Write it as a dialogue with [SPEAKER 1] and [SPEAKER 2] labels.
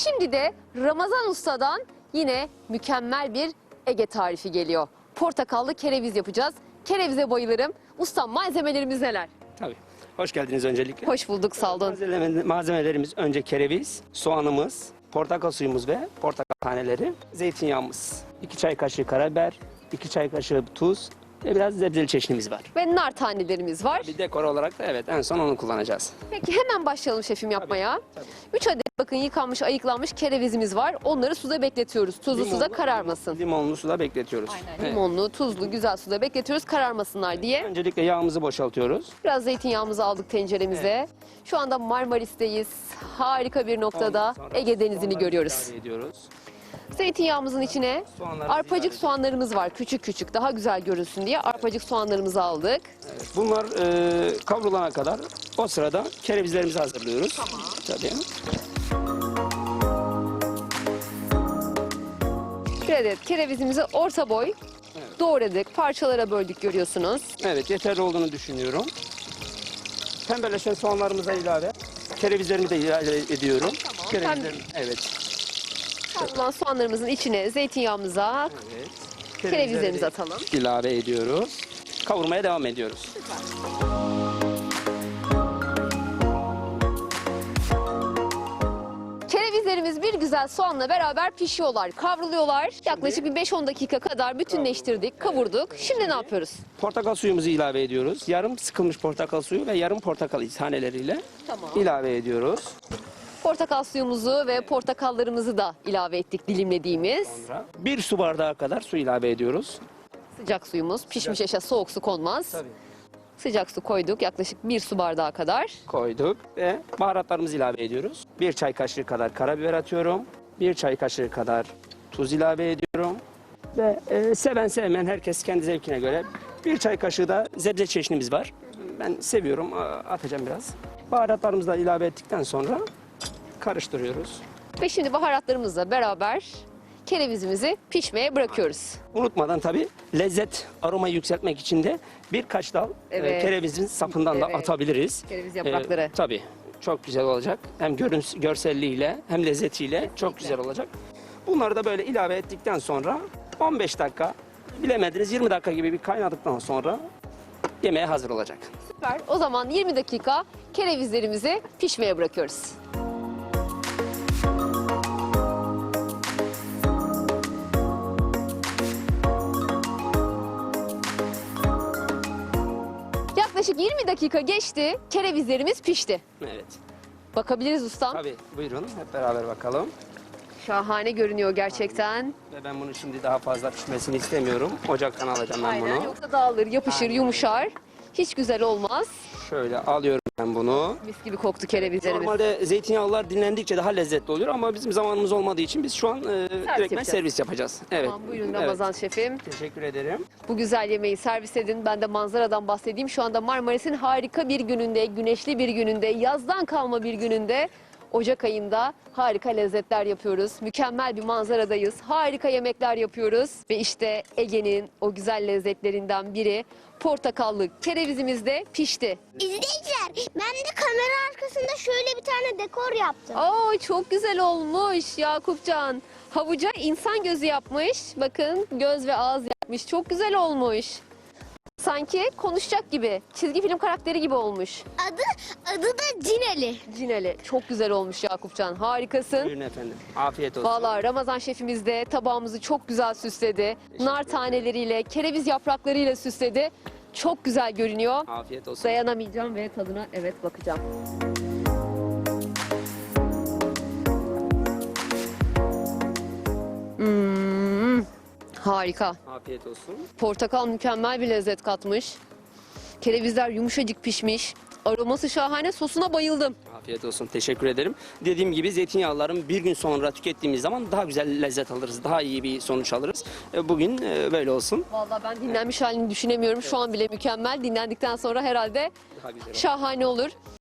[SPEAKER 1] Şimdi de Ramazan Usta'dan yine mükemmel bir Ege tarifi geliyor. Portakallı kereviz yapacağız. Kerevize bayılırım. Ustam, malzemelerimiz neler?
[SPEAKER 2] Tabii. Hoş geldiniz öncelikle.
[SPEAKER 1] Hoş bulduk, sağ olun.
[SPEAKER 2] Malzemelerimiz önce kereviz, soğanımız, portakal suyumuz ve portakal taneleri, zeytinyağımız, 2 çay kaşığı karabiber, 2 çay kaşığı tuz ve biraz zebzeli çeşnimiz var.
[SPEAKER 1] Ve nar tanelerimiz var.
[SPEAKER 2] Bir dekor olarak da evet en son onu kullanacağız.
[SPEAKER 1] Peki hemen başlayalım şefim yapmaya.
[SPEAKER 2] tabii.
[SPEAKER 1] 3 adet bakın yıkanmış, ayıklanmış kerevizimiz var. Onları suda bekletiyoruz. Tuzlu suda kararmasın.
[SPEAKER 2] Limonlu suda bekletiyoruz. Evet.
[SPEAKER 1] Limonlu, tuzlu, güzel suda bekletiyoruz kararmasınlar diye.
[SPEAKER 2] Öncelikle yağımızı boşaltıyoruz.
[SPEAKER 1] Biraz zeytinyağımızı aldık tenceremize. Şu anda Marmaris'teyiz. Harika bir noktada
[SPEAKER 2] Ondan sonra
[SPEAKER 1] Ege Denizi'ni
[SPEAKER 2] soğanları
[SPEAKER 1] görüyoruz.
[SPEAKER 2] ilave ediyoruz.
[SPEAKER 1] Zeytinyağımızın içine
[SPEAKER 2] Soğanlarımızı
[SPEAKER 1] arpacık
[SPEAKER 2] ilave
[SPEAKER 1] soğanlarımız var. Küçük küçük, daha güzel görünsün diye arpacık soğanlarımızı aldık.
[SPEAKER 2] Evet, bunlar kavrulana kadar o sırada kerevizlerimizi hazırlıyoruz. Tamam. Tabii.
[SPEAKER 1] Bir adet kerevizimizi orta boy doğradık, parçalara böldük görüyorsunuz.
[SPEAKER 2] Evet, yeterli olduğunu düşünüyorum. Pembeleşen soğanlarımıza ilave, kerevizlerimi de ilave ediyorum.
[SPEAKER 1] Tamam.
[SPEAKER 2] Kerevizlerim, evet.
[SPEAKER 1] Kavrulan soğanlarımızın içine zeytinyağımıza
[SPEAKER 2] Evet.
[SPEAKER 1] kerevizlerimizi atalım.
[SPEAKER 2] İlave ediyoruz. Kavurmaya devam ediyoruz.
[SPEAKER 1] Kerevizlerimiz bir güzel soğanla beraber pişiyorlar, kavruluyorlar. Yaklaşık bir 5-10 dakika kadar bütünleştirdik, kavurduk. Şimdi ne yapıyoruz?
[SPEAKER 2] Portakal suyumuzu ilave ediyoruz. Yarım sıkılmış portakal suyu ve yarım portakal taneleriyle
[SPEAKER 1] Tamam.
[SPEAKER 2] ilave ediyoruz.
[SPEAKER 1] Portakal suyumuzu ve portakallarımızı da ilave ettik dilimlediğimiz.
[SPEAKER 2] Sonra 1 su bardağı kadar su ilave ediyoruz.
[SPEAKER 1] Sıcak suyumuz, pişmiş eşya soğuk su konmaz.
[SPEAKER 2] Tabii.
[SPEAKER 1] Sıcak su koyduk yaklaşık 1 su bardağı kadar.
[SPEAKER 2] Koyduk ve baharatlarımızı ilave ediyoruz. 1 çay kaşığı kadar karabiber atıyorum. 1 çay kaşığı kadar tuz ilave ediyorum. Ve seven sevmeyen herkes kendi zevkine göre 1 çay kaşığı da zebze çeşnimiz var. Ben seviyorum, atacağım biraz. Baharatlarımızı da ilave ettikten sonra karıştırıyoruz.
[SPEAKER 1] Ve şimdi baharatlarımızla beraber kerevizimizi pişmeye bırakıyoruz.
[SPEAKER 2] Unutmadan tabii lezzet, aroma yükseltmek için de birkaç dal
[SPEAKER 1] Evet.
[SPEAKER 2] kerevizin sapından da
[SPEAKER 1] Evet.
[SPEAKER 2] atabiliriz.
[SPEAKER 1] Kereviz yaprakları.
[SPEAKER 2] Tabii çok güzel olacak. Hem görselliğiyle hem lezzetiyle çok güzel olacak. Bunları da böyle ilave ettikten sonra 15 dakika, bilemediniz 20 dakika gibi bir kaynadıktan sonra yemeğe hazır olacak.
[SPEAKER 1] Süper. O zaman 20 dakika kerevizlerimizi pişmeye bırakıyoruz. Yaklaşık 20 dakika geçti. Kerevizlerimiz pişti.
[SPEAKER 2] Evet.
[SPEAKER 1] Bakabiliriz ustam.
[SPEAKER 2] Tabii buyurun hep beraber bakalım.
[SPEAKER 1] Şahane görünüyor gerçekten.
[SPEAKER 2] Ve ben bunu şimdi daha fazla pişmesini istemiyorum. Ocaktan alacağım ben
[SPEAKER 1] Aynen.
[SPEAKER 2] bunu.
[SPEAKER 1] Yoksa dağılır, yapışır, yumuşar. Hiç güzel olmaz.
[SPEAKER 2] Şöyle alıyorum ben bunu.
[SPEAKER 1] Mis gibi koktu kerevizlerimiz.
[SPEAKER 2] Normalde zeytinyağlılar dinlendikçe daha lezzetli oluyor ama bizim zamanımız olmadığı için biz şu an direktmen
[SPEAKER 1] yapacağız.
[SPEAKER 2] servis yapacağız. Evet.
[SPEAKER 1] Tamam, buyurun
[SPEAKER 2] Evet.
[SPEAKER 1] Ramazan şefim.
[SPEAKER 2] Teşekkür ederim.
[SPEAKER 1] Bu güzel yemeği servis edin. Ben de manzaradan bahsedeyim. Şu anda Marmaris'in harika bir gününde, güneşli bir gününde, yazdan kalma bir gününde, Ocak ayında harika lezzetler yapıyoruz. Mükemmel bir manzaradayız. Harika yemekler yapıyoruz. Ve işte Ege'nin o güzel lezzetlerinden biri portakallı kerevizimiz de pişti.
[SPEAKER 3] İzleyiciler, ben de kamera arkasında şöyle bir tane dekor yaptım.
[SPEAKER 1] Aa, çok güzel olmuş Yakupcan. Havuca insan gözü yapmış. Bakın, göz ve ağız yapmış. Çok güzel olmuş. Sanki konuşacak gibi. Çizgi film karakteri gibi olmuş.
[SPEAKER 3] Adı da Cineli.
[SPEAKER 1] Cineli. Çok güzel olmuş Yakupcan. Harikasın.
[SPEAKER 2] Buyurun efendim. Afiyet olsun.
[SPEAKER 1] Vallahi Ramazan şefimiz de tabağımızı çok güzel süsledi. Nar taneleriyle, kereviz yapraklarıyla süsledi. Çok güzel görünüyor.
[SPEAKER 2] Afiyet olsun.
[SPEAKER 1] Dayanamayacağım ve tadına bakacağım. Harika.
[SPEAKER 2] Afiyet olsun.
[SPEAKER 1] Portakal mükemmel bir lezzet katmış. Kerevizler yumuşacık pişmiş. Aroması şahane. Sosuna bayıldım.
[SPEAKER 2] Afiyet olsun. Teşekkür ederim. Dediğim gibi zeytinyağlıların bir gün sonra tükettiğimiz zaman daha güzel lezzet alırız. Daha iyi bir sonuç alırız. Bugün böyle olsun.
[SPEAKER 1] Vallahi ben dinlenmiş halini düşünemiyorum. Şu an bile mükemmel. Dinlendikten sonra herhalde
[SPEAKER 2] Daha güzel.
[SPEAKER 1] şahane olur.